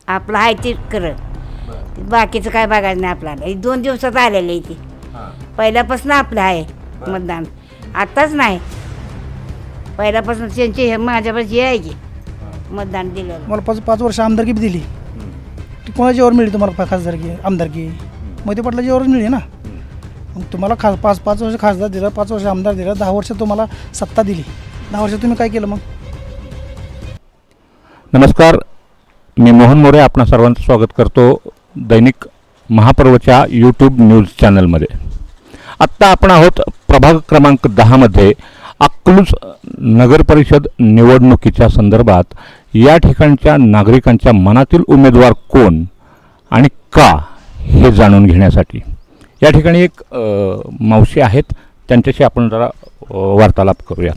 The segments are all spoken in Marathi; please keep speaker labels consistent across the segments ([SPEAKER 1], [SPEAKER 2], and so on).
[SPEAKER 1] आपलं आहे ते करत, बाकीचं काय बघायचं नाही आपल्याला. 2 दिवसात आलेलं आहे ते, पहिल्यापासून आपलं आहे मतदान, आत्ताच नाही, पहिल्यापासून त्यांचे हे माझ्यापाशी आहे की मतदान दिलं.
[SPEAKER 2] मला 5 वर्ष आमदारकी बी दिली, ती कोणाच्यावर मिळली तुम्हाला खासदारकी आमदारकी? मोहिते पाटलाच्यावरच मिळली ना. मग तुम्हाला 5 वर्ष खासदार दिलं, 5 वर्ष आमदार दिलं, 10 वर्ष तुम्हाला सत्ता दिली. 10 वर्ष तुम्ही काय केलं मग?
[SPEAKER 3] नमस्कार, मी मोहन मोरे आपणा सर्वांचं स्वागत करतो दैनिक महापर्वच्या यूट्यूब न्यूज चॅनलमध्ये. आत्ता आपण आहोत प्रभाग क्रमांक 10मध्ये अकलूज नगरपरिषद निवडणुकीच्या संदर्भात या ठिकाणच्या नागरिकांच्या मनातील उमेदवार कोण आणि का हे जाणून घेण्यासाठी. या ठिकाणी एक मावशी आहेत, त्यांच्याशी आपण जरा वार्तालाप करूया.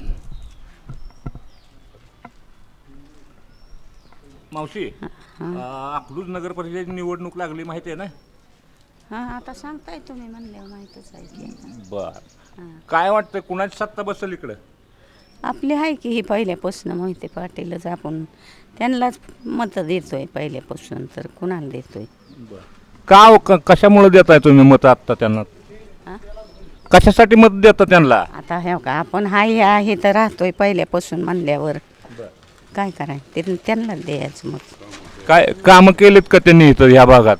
[SPEAKER 3] मावशी, अकलूज नगरपरिषदेची निवडणूक लागली माहिती आहे ना?
[SPEAKER 1] हां, आता सांगताय तुम्ही म्हणल्यावर माहीतच आहे.
[SPEAKER 3] बर, काय वाटतं कुणाची सत्ता बसेल इकडं?
[SPEAKER 1] आपली आहे की ही पहिल्यापासून मोहिते पाटीलच, आपण त्यांनाच मतं देतोय पहिल्यापासून, तर कुणाला देतोय?
[SPEAKER 3] का कशामुळे देताय तुम्ही मत आत्ता त्यांना? कशासाठी मत देता त्यांना?
[SPEAKER 1] आता हे का आपण हाय आहे तर राहतोय पहिल्यापासून म्हणल्यावर काय करायचं, ते त्यांनाच द्यायचं. मग
[SPEAKER 3] काय कामं केलीत का त्यांनी इथं या भागात?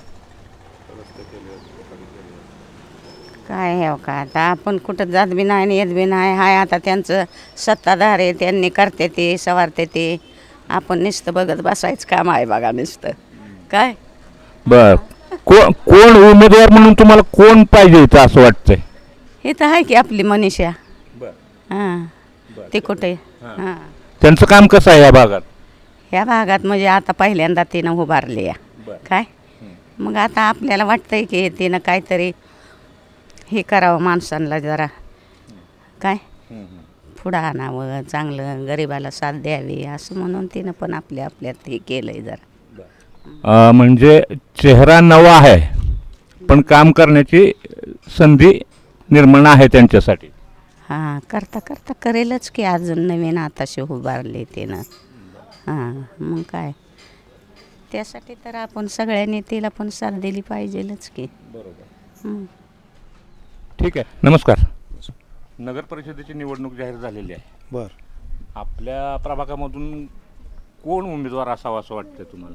[SPEAKER 1] काय हे का आता आपण कुठं जात बी नाही आणि येत बी नाही. हाय आता त्यांचं सत्ताधार आहे, त्यांनी करते ते सवारते ते, आपण नुसतं बघत बसायचं काम आहे बघा नुसतं. काय
[SPEAKER 3] बर, कोण उमेदवार म्हणून तुम्हाला कोण पाहिजे इथं असं वाटतंय?
[SPEAKER 1] हे तर आहे की आपली मनीषा. हां, ते कुठे हां,
[SPEAKER 3] त्यांचं काम कसं आहे या भागात?
[SPEAKER 1] ह्या भागात म्हणजे आता पहिल्यांदा तिनं उभारली आहे काय. मग आता आपल्याला वाटतंय की तिनं काहीतरी हे करावं माणसांना, जरा काय पुढं आणावं, चांगलं गरिबाला साथ द्यावी असं म्हणून तिनं पण आपल्यात हे केलं आहे जरा.
[SPEAKER 3] म्हणजे चेहरा नवा आहे पण काम करण्याची संधी निर्माण आहे त्यांच्यासाठी.
[SPEAKER 1] हां, करता करता करेलच की, अजून नवीन आताशी उभारले तिनं. हां, मग काय त्यासाठी तर आपण सगळ्यांनी तिला पण साथ दिली पाहिजेलच की. बरोबर.
[SPEAKER 3] ठीक आहे. नमस्कार. नगर परिषदेची निवडणूक जाहीर झालेली आहे.
[SPEAKER 4] बर,
[SPEAKER 3] आपल्या प्रभागामधून कोण उमेदवार असावा असं वाटतं तुम्हाला?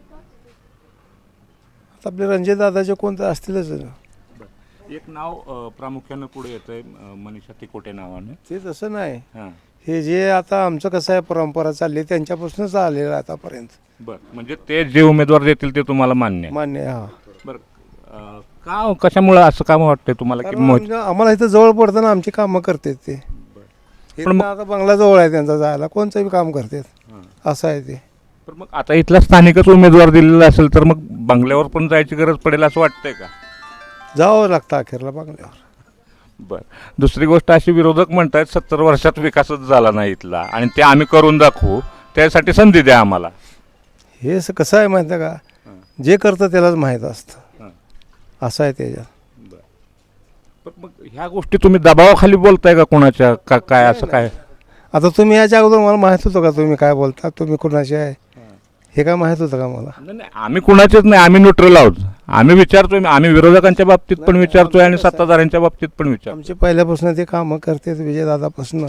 [SPEAKER 4] आता आपले रणजित दादाचे कोणते असतीलच ना.
[SPEAKER 3] एक नाव प्रामुख्यानं पुढे येतंय, मनीषा तिकोटे नावाने.
[SPEAKER 4] ते तसं नाही,
[SPEAKER 3] हां,
[SPEAKER 4] हे जे आता आमचं कसं आहे परंपरा चालली त्यांच्यापासूनच आलेलं आहे आतापर्यंत.
[SPEAKER 3] बरं, म्हणजे ते जे उमेदवार देतील ते तुम्हाला मान्य आहे?
[SPEAKER 4] मान्य आहे, हा.
[SPEAKER 3] बरं, का कशामुळं असं काम वाटतंय तुम्हाला की
[SPEAKER 4] कारण आम्हाला इथं जवळ पडतं ना, आमची कामं करतात ते. पण आता बंगला जवळ आहे त्यांचा, जायला कोणचं बी काम करतात असं आहे ते.
[SPEAKER 3] पण मग आता इथला स्थानिकच उमेदवार दिलेला असेल तर मग बंगल्यावर पण जायची गरज पडेल असं वाटतंय का?
[SPEAKER 4] जावं लागतं अखेरला बंगल्यावर.
[SPEAKER 3] बरं, दुसरी गोष्ट अशी, विरोधक म्हणतायत 70 वर्षात विकासच झाला नाही इथला आणि ते आम्ही करून दाखवू, त्यासाठी संधी द्या आम्हाला.
[SPEAKER 4] हे कसं आहे माहिती आहे का, जे करतं त्यालाच माहीत असतं असं आहे त्याच्यात.
[SPEAKER 3] पण मग ह्या गोष्टी तुम्ही दबावाखाली बोलताय का कोणाच्या, का काय असं काय?
[SPEAKER 4] आता तुम्ही याच्या अगोदर मला माहीत होतं का तुम्ही काय बोलता, तुम्ही कुणाचे आहे हे काय माहीत होतं का मला?
[SPEAKER 3] नाही, आम्ही कुणाचेच नाही, आम्ही न्यूट्रल आहोत. आम्ही विचारतोय, आम्ही विरोधकांच्या बाबतीत पण विचारतोय आणि सत्ताधाऱ्यांच्या बाबतीत पण विचारतोय.
[SPEAKER 4] आमचे पहिल्यापासून ते कामं करतात विजयदादापासून,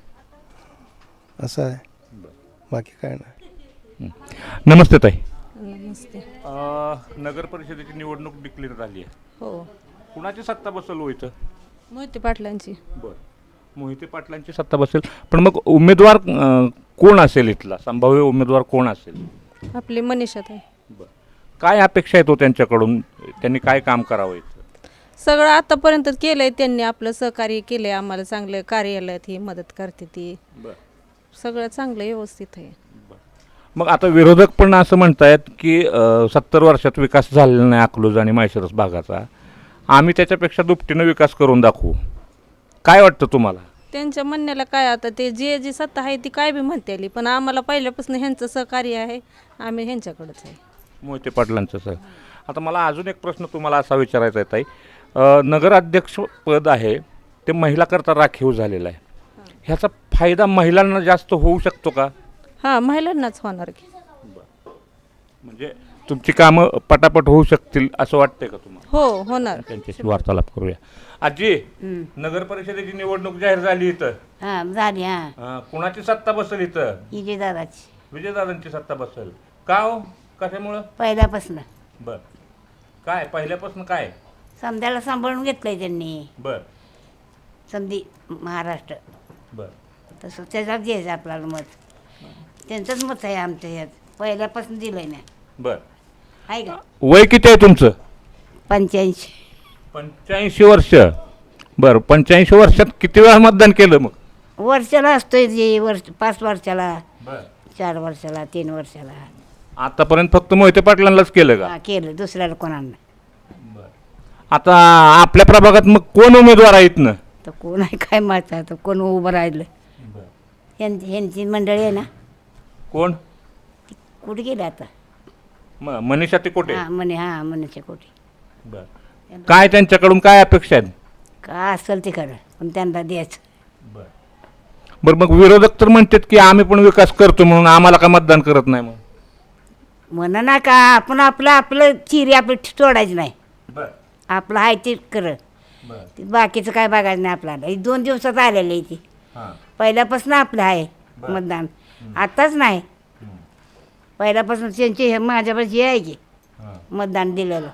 [SPEAKER 4] असं आहे, बाकी काय नाही.
[SPEAKER 3] नमस्ते ताई.
[SPEAKER 5] नमस्ते.
[SPEAKER 3] नगर परिषदेची निवडणूक डिक्लेअर झाली आहे.
[SPEAKER 5] हो,
[SPEAKER 3] कुणाची सत्ता बसेल हो इथं?
[SPEAKER 5] मोहिते पाटलांची.
[SPEAKER 3] बरं, मोहिते पाटलांची सत्ता बसेल. पण मग उमेदवार कोण असेल इथला, संभाव्य उमेदवार कोण असेल?
[SPEAKER 5] आपली मनीषा ताई.
[SPEAKER 3] बरं, काय अपेक्षा आहे तो त्यांच्याकडून, त्यांनी काय काम करावं इथं?
[SPEAKER 5] सगळं आतापर्यंत केलंय त्यांनी, आपलं सहकार्य केलंय आम्हाला, चांगलं कार्यालयात ही मदत करते ती. सगळं चांगलं व्यवस्थित आहे.
[SPEAKER 3] मग आता विरोधक पण असं म्हणतायत की 70 वर्षात विकास झालेला नाही अकलूज आणि माळशिरस भागाचा, आम्ही त्याच्यापेक्षा दुपटीनं विकास करून दाखवू. काय वाटतं तुम्हाला?
[SPEAKER 5] त्यांच्या म्हणण्याला काय, आता ते जी सत्ता आहे ती काय बी म्हणते आली, पण आम्हाला पहिल्यापासून ह्यांचं सहकार्य आहे, आम्ही ह्यांच्याकडंच आहे.
[SPEAKER 3] मोहिते पाटलांचं सर. आता मला अजून एक प्रश्न तुम्हाला असा विचारायचा आहे ताई, नगराध्यक्ष पद आहे ते महिलाकरता राखीव झालेलं आहे, ह्याचा फायदा महिलांना जास्त होऊ शकतो का?
[SPEAKER 5] हां, महिलांनाच होणार की.
[SPEAKER 3] म्हणजे तुमची कामं पटापट होऊ शकतील असं वाटतंय का तुम्हाला?
[SPEAKER 5] हो होणार.
[SPEAKER 3] त्यांच्याशी वार्तालाप करूया. आजी, नगर परिषदेची निवडणूक जाहीर झाली इथं.
[SPEAKER 1] हां झाली. हां
[SPEAKER 3] कुणाची सत्ता बसेल इथं?
[SPEAKER 1] विजयदादाची
[SPEAKER 3] विजयदादांची सत्ता बसेल. का हो? कशामुळं?
[SPEAKER 1] पहिल्यापासून
[SPEAKER 3] बर. काय पहिल्यापासून काय?
[SPEAKER 1] समद्याला सांभाळून घेतलंय त्यांनी.
[SPEAKER 3] बर
[SPEAKER 1] समधी महाराष्ट्र
[SPEAKER 3] बर
[SPEAKER 1] तसं त्याच्यात घ्यायचं आपल्याला मत. त्यांचंच मत आहे आमच्या ह्यात. पहिल्यापासून दिलंय ना.
[SPEAKER 3] बर.
[SPEAKER 1] आहे का?
[SPEAKER 3] वय किती आहे तुमचं?
[SPEAKER 1] 85.
[SPEAKER 3] 85 वर्ष. बरं, 85 वर्षात किती वेळा मतदान केलं मग?
[SPEAKER 1] वर्षाला असतोय जे वर्ष 5 वर्षाला,
[SPEAKER 3] बर.
[SPEAKER 1] 4 वर्षाला, 3 वर्षाला.
[SPEAKER 3] आतापर्यंत फक्त मोहिते पाटलांनाच केलं का?
[SPEAKER 1] हां केलं, दुसऱ्याला कोणाला.
[SPEAKER 3] आता आपल्या प्रभागात मग कोण उमेदवार आहेत ना?
[SPEAKER 1] तर कोण आहे काय माहिती आता कोण उभं राहिलं. ह्यांची मंडळी आहे ना.
[SPEAKER 3] कोण?
[SPEAKER 1] कुठे गेले आता?
[SPEAKER 3] मनीषा तिकोटे.
[SPEAKER 1] हां मनुष्य कोटी.
[SPEAKER 3] बर. काय त्यांच्याकडून काय अपेक्षा आहेत?
[SPEAKER 1] का असेल तिकडं पण त्यांना द्यायचं.
[SPEAKER 3] बरं, मग विरोधक तर म्हणतात की आम्ही पण विकास करतो म्हणून आम्हाला का मतदान करत नाही? मग
[SPEAKER 1] म्हणा ना का आपण आपलं चिरी आपली तोडायची नाही. आपलं आहे ते कर. बाकीचं काय बघायचं नाही आपल्याला. ही 2 दिवसात आलेलं आहे ती. पहिल्यापासून आपलं आहे मतदान. आताच नाही, पहिल्यापासून त्यांचे हे माझ्यापाशी आहे की मतदान दिलेलं.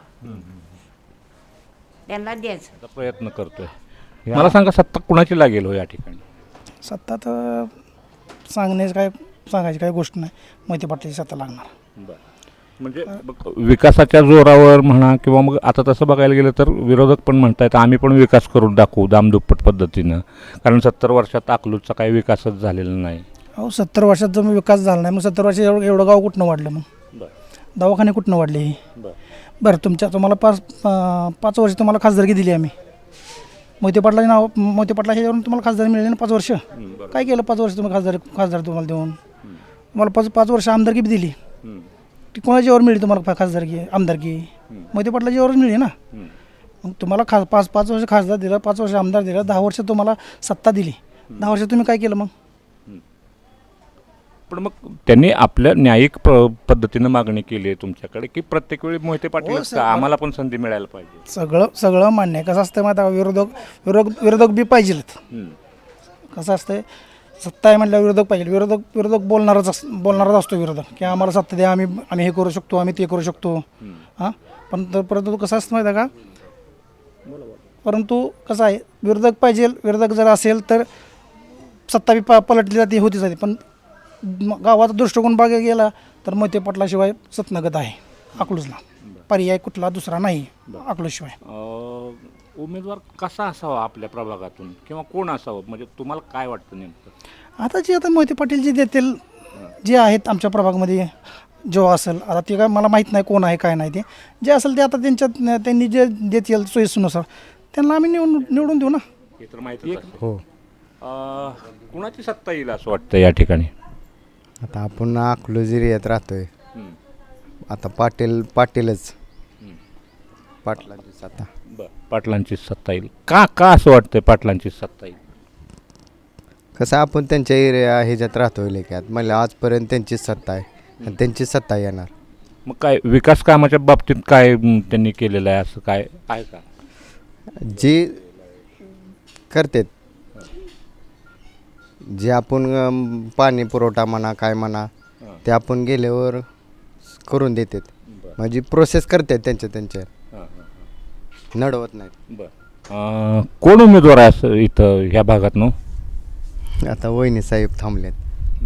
[SPEAKER 1] त्यांना द्यायचं.
[SPEAKER 3] आता प्रयत्न करतोय. मला सांगा, सत्ता कुणाची लागेल हो या ठिकाणी?
[SPEAKER 2] सत्ता तर सांगायची काय गोष्ट नाही. मोहिते पाटलाची सत्ता लागणार.
[SPEAKER 3] म्हणजे विकासाच्या जोरावर म्हणा किंवा मग आता तसं बघायला गेलं तर विरोधक पण म्हणतायत आम्ही पण विकास करून दाखवू दामदुप्पट पद्धतीनं, कारण 70 वर्षात अकलूजचा काही विकासच झालेला नाही.
[SPEAKER 2] अहो 70 वर्षात जर विकास झाला नाही, मग 70 वर्षात एवढं गाव कुठनं वाढलं? मग दवाखाने कुठनं वाढले? बरं, तुम्हाला 5 वर्ष तुम्हाला खासदारकी दिली आम्ही. मोहिते पाटला ह्याच्यावरून तुम्हाला खासदार मिळाली ना 5 वर्ष. काय केलं 5 वर्ष तुम्ही खासदार तुम्हाला देऊन? तुम्हाला 5 वर्ष आमदारकी बी दिली. ती कोणाच्यावर मिळली तुम्हाला खासदारकी आमदारकी? मोहिते पाटलाच्यावरच मिळली ना. मग तुम्हाला 5 वर्ष खासदार दिलं, 5 वर्ष आमदार दिलं, 10 वर्ष तुम्हाला सत्ता दिली. 10 वर्ष तुम्ही काय केलं मग?
[SPEAKER 3] पण मग त्यांनी आपल्या न्यायिक पद्धतीनं मागणी केली आहे तुमच्याकडे की प्रत्येक वेळी मोहिते पाटील आम्हाला पण संधी मिळायला पाहिजे?
[SPEAKER 2] सगळं मान्य आहे. कसं असतं माहिती आहे, विरोधक बी पाहिजेत. कसं असतं, सत्ता आहे म्हटल्यावर विरोधक पाहिजे. विरोधक बोलणारच असतो विरोधक, की आम्हाला सत्ता द्या, आम्ही हे करू शकतो, आम्ही ते करू शकतो. हां, पण परंतु कसं असतं माहिती आहे का, परंतु कसं आहे, विरोधक पाहिजे. विरोधक जर असेल तर सत्ता बी पलटली जाते, होती जाते. पण गावाचा दृष्टिकोन बघायला गेला तर मोहिते पाटलाशिवाय सतनगत आहे अकलूजला. पर्याय कुठला दुसरा नाही अकलूजशिवाय.
[SPEAKER 3] उमेदवार कसा असावा आपल्या प्रभागातून किंवा कोण असावं, म्हणजे तुम्हाला काय वाटतं नेमकं?
[SPEAKER 2] आता मोहिते पाटील जे देतील, जे आहेत आमच्या प्रभागामध्ये जो असेल, आता ते काय मला माहीत नाही कोण आहे काय नाही, ते जे असेल ते आता त्यांनी जे देतील सोयीनुसार त्यांना आम्ही निवडून देऊ ना.
[SPEAKER 3] हे तर माहिती
[SPEAKER 6] हो.
[SPEAKER 3] कुणाची सत्ता येईल असं वाटतं या ठिकाणी?
[SPEAKER 6] आता आपण अकलूज एरियात राहतोय. आता पाटीलच पाटलांची सत्ता.
[SPEAKER 3] पाटलांची सत्ता येईल का असं वाटतंय पाटलांची सत्ता येईल?
[SPEAKER 6] कसं आपण त्यांच्या एरिया ह्याच्यात राहतोय लेक्यात, मला आजपर्यंत त्यांचीच सत्ता आहे आणि त्यांचीच सत्ता येणार.
[SPEAKER 3] मग काय विकास कामाच्या बाबतीत काय त्यांनी केलेलं आहे असं काय आहे का?
[SPEAKER 6] जे करतात, जे आपण पाणी पुरवठा म्हणा काय म्हणा ते आपण गेल्यावर करून देतात. म्हणजे प्रोसेस करतात त्यांच्या नडवत नाही.
[SPEAKER 3] कोण उमेदवार आहे असं इथं ह्या भागात?
[SPEAKER 6] आता वहिनी साहेब थांबलेत.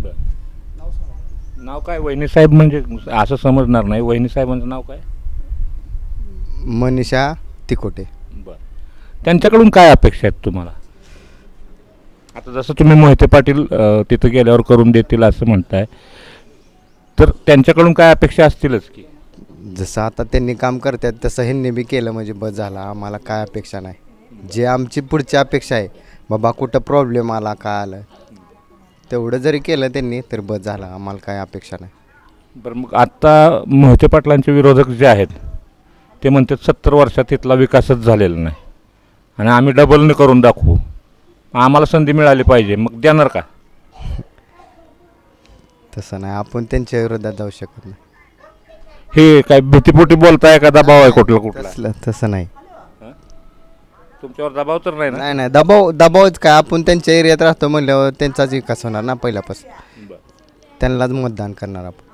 [SPEAKER 3] नाव काय वहिनी साहेब? म्हणजे असं समजणार नाही, वहिनी साहेबांचं नाव काय?
[SPEAKER 6] मनीषा तिकोटे.
[SPEAKER 3] त्यांच्याकडून काय अपेक्षा आहेत तुम्हाला? आता जसं तुम्ही मोहिते पाटील तिथं गेल्यावर करून देतील असं म्हणताय, तर त्यांच्याकडून काय अपेक्षा असतीलच की?
[SPEAKER 6] जसं आता त्यांनी काम करतात तसं ह्यांनी बी केलं म्हणजे बस झाला. आम्हाला काय अपेक्षा नाही. जे आमची पुढची अपेक्षा आहे, बाबा कुठं प्रॉब्लेम आला काय आलं, तेवढं जरी केलं त्यांनी तर बस झाला. आम्हाला काय अपेक्षा नाही.
[SPEAKER 3] बरं, मग आत्ता मोहिते पाटलांचे विरोधक जे आहेत ते म्हणतात 70 वर्षात इथला विकासच झालेला नाही आणि आम्ही डबलने करून दाखवू, आम्हाला संधी मिळाली पाहिजे. मग देणार का?
[SPEAKER 6] तसं नाही, आपण त्यांच्या विरोधात जाऊ शकत नाही.
[SPEAKER 3] हे काय भीतीपोटी बोलताय का दबाव आहे कुठला
[SPEAKER 6] तसं नाही.
[SPEAKER 3] तुमच्यावर दबाव तर नाही ना?
[SPEAKER 6] नाही नाही, दबावच काय, आपण त्यांच्या एरियात राहतो म्हणल्यावर त्यांचाच विकास होणार ना पहिल्यापासून. त्यांनाच मतदान करणार आपण.